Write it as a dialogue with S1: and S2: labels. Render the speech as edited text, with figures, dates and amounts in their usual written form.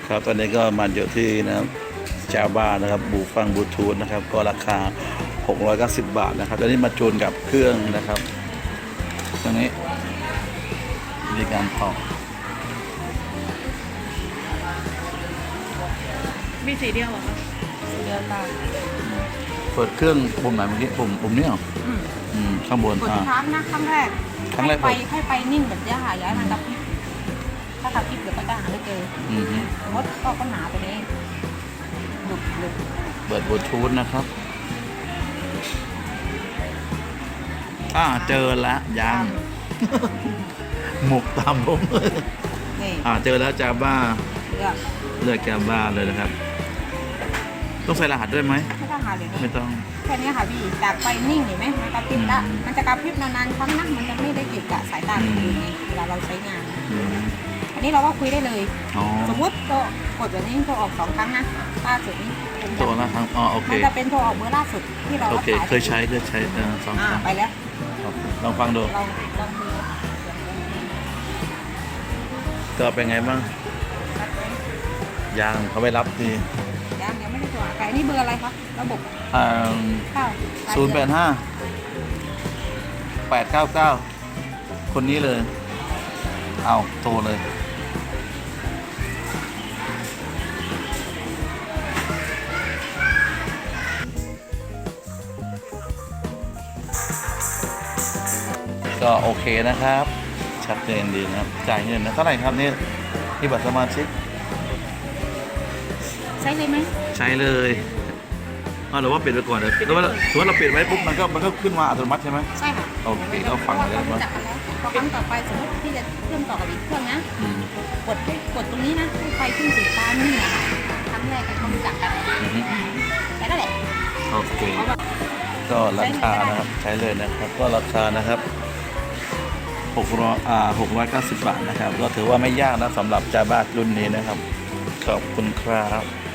S1: ครับตอนนี้ก็มาอยู่ที่นะครับจาบ้านะครับบูฟังบลูทูธนะครับก็ราคา690 บาทนะครับตอนนี้มาจูนกับเครื่องนะครับตรงนี้มีการต่อ
S2: มีสีเดียวเหรอคะสีเดียวตา
S1: เปิดเครื่องปุ่มไหนเมื่อกี้ปุ่มนี้เหรอข้างบน
S2: กดทุกครั้งนะครั้งแรกให้ไปนิ่งแบบนี้ค่ะย้ายมันกระพริบถ้ากระพริบเดี๋ยวก็จะหาไม่เจอมดก็หนาไปนี้หลุด
S1: เปิดบลูทูธนะครับเจอแล้วยังหมกตามผมเลยเจอแล้วจาบ้าเลือกจาบ้าเลยนะครับต้องใส่รหัสด้วยไหม
S2: ไม่ต้องหาเลย
S1: ไม่ต้อง
S2: แค่นี้ค่ะพี่จากไปนิ่งเห็นไหมมันกระพริบละมันจะกระพริบนานๆครั้งนะมันจะไม่ได้เก็บกับสายตาคนอื่นไงเวลาเราใช้งานอันนี้เราก็คุยได้เลยสมมติโทรกดแบบนี้โทรออก2 ครั้งนะล่าสุดนี้
S1: โทรละครั้งโอเค
S2: มันจะเป็นโทรออกเบอร์ล่าสุดที่เรา
S1: โอเคเคยใช้2 ครั้ง
S2: ไปแล้ว
S1: ลองฟังดูก็เป็นไงบ้างยังเขาไม่รับดี
S2: ยังไม่ได้ตัวไก่นี่เบอร์อะไรครับระบบ
S1: 085 899คนนี้เลยเอาโทรเลยก็โอเคนะครับชัดเจนดีนะครับจ่ายเงินนะเท่าไหร่ครับนี่ที่บัตรสมาชิก
S2: ใช้เลยไหม
S1: ใช้เลยหรือว่าปิดไปก่อนเลยหรือว่าเราปิดไว้ปุ๊บมันก็ขึ้นมาอัตโนมัติใช่ไหม
S2: ใช่ค่ะ
S1: โอเคก็ฟังเลย
S2: ว่าพอครั้งต่อไปสมมติที่จะเชื่อมต่อกับอีกเครื่องนะกดตรงนี้นะให้ไฟขึ้นสีฟ้านี่นะครั้งแรกเขารู้จักกันแต่ก็แหละ
S1: โอเคก็ราคานะครับใช้เลยนะครับก็ราคานะครับ690 บาทนะครับก็ถือว่าไม่ยากนะสำหรับจาบ้ารุ่นนี้นะครับขอบคุณครับ